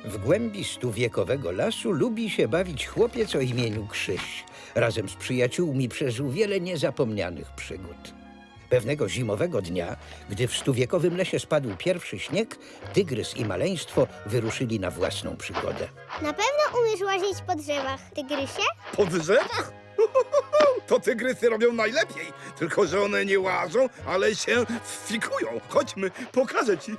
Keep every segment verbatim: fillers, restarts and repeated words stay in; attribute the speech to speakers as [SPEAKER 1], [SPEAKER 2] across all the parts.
[SPEAKER 1] W głębi stuwiekowego lasu lubi się bawić chłopiec o imieniu Krzyś. Razem z przyjaciółmi przeżył wiele niezapomnianych przygód. Pewnego zimowego dnia, gdy w stuwiekowym lesie spadł pierwszy śnieg, tygrys i maleństwo wyruszyli na własną przygodę.
[SPEAKER 2] Na pewno umiesz łazić po drzewach, tygrysie?
[SPEAKER 3] Po drzewach? To tygrysy robią najlepiej, tylko że one nie łażą, ale się fikują. Chodźmy, pokażę ci.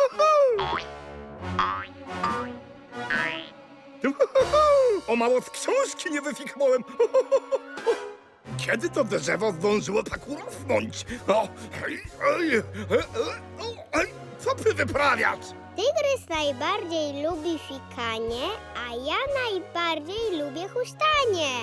[SPEAKER 3] O mało z książki nie wyfiknąłem. Kiedy to drzewo zdążyło tak urosnąć? O, ej, ej, ej, ej, co ty wyprawiasz?
[SPEAKER 2] Tygrys najbardziej lubi fikanie, a ja najbardziej lubię huśtanie.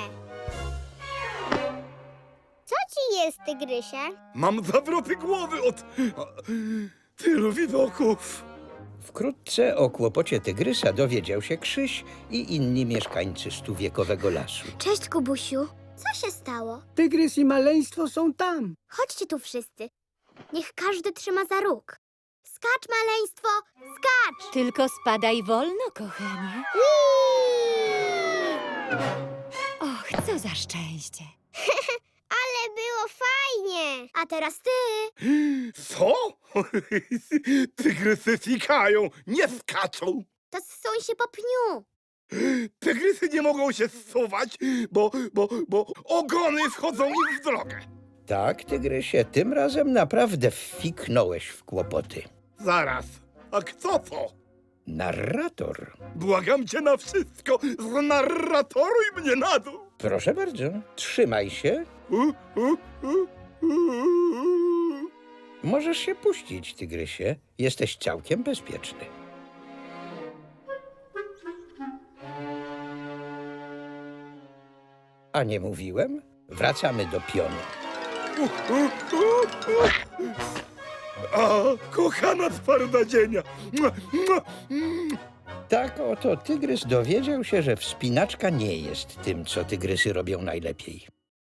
[SPEAKER 2] Co ci jest, tygrysie?
[SPEAKER 3] Mam zawroty głowy od tylu widoków.
[SPEAKER 1] Wkrótce o kłopocie tygrysa dowiedział się Krzyś i inni mieszkańcy stuwiekowego lasu.
[SPEAKER 2] Cześć, Kubusiu. Co się stało?
[SPEAKER 4] Tygrys i maleństwo są tam.
[SPEAKER 2] Chodźcie tu wszyscy. Niech każdy trzyma za róg. Skacz, maleństwo, skacz!
[SPEAKER 5] Tylko spadaj wolno, kochanie. Och, co za szczęście.
[SPEAKER 2] Ale było fajnie. A teraz ty.
[SPEAKER 3] Co? Tygrysy fikają, nie skaczą.
[SPEAKER 2] To zsuń się po pniu.
[SPEAKER 3] Tygrysy nie mogą się zsuwać, bo, bo, bo ogony wchodzą im w drogę.
[SPEAKER 1] Tak, tygrysie, tym razem naprawdę wfiknąłeś w kłopoty.
[SPEAKER 3] Zaraz, a kto to?
[SPEAKER 1] Narrator.
[SPEAKER 3] Błagam cię na wszystko, znarratoruj mnie na dół.
[SPEAKER 1] Proszę bardzo, trzymaj się.
[SPEAKER 3] U, u, u, u.
[SPEAKER 1] Możesz się puścić, tygrysie. Jesteś całkiem bezpieczny. A nie mówiłem? Wracamy do pionu.
[SPEAKER 3] A, kochana twarda dzienia. Mua, mua, mm.
[SPEAKER 1] Tak oto tygrys dowiedział się, że wspinaczka nie jest tym, co tygrysy robią najlepiej.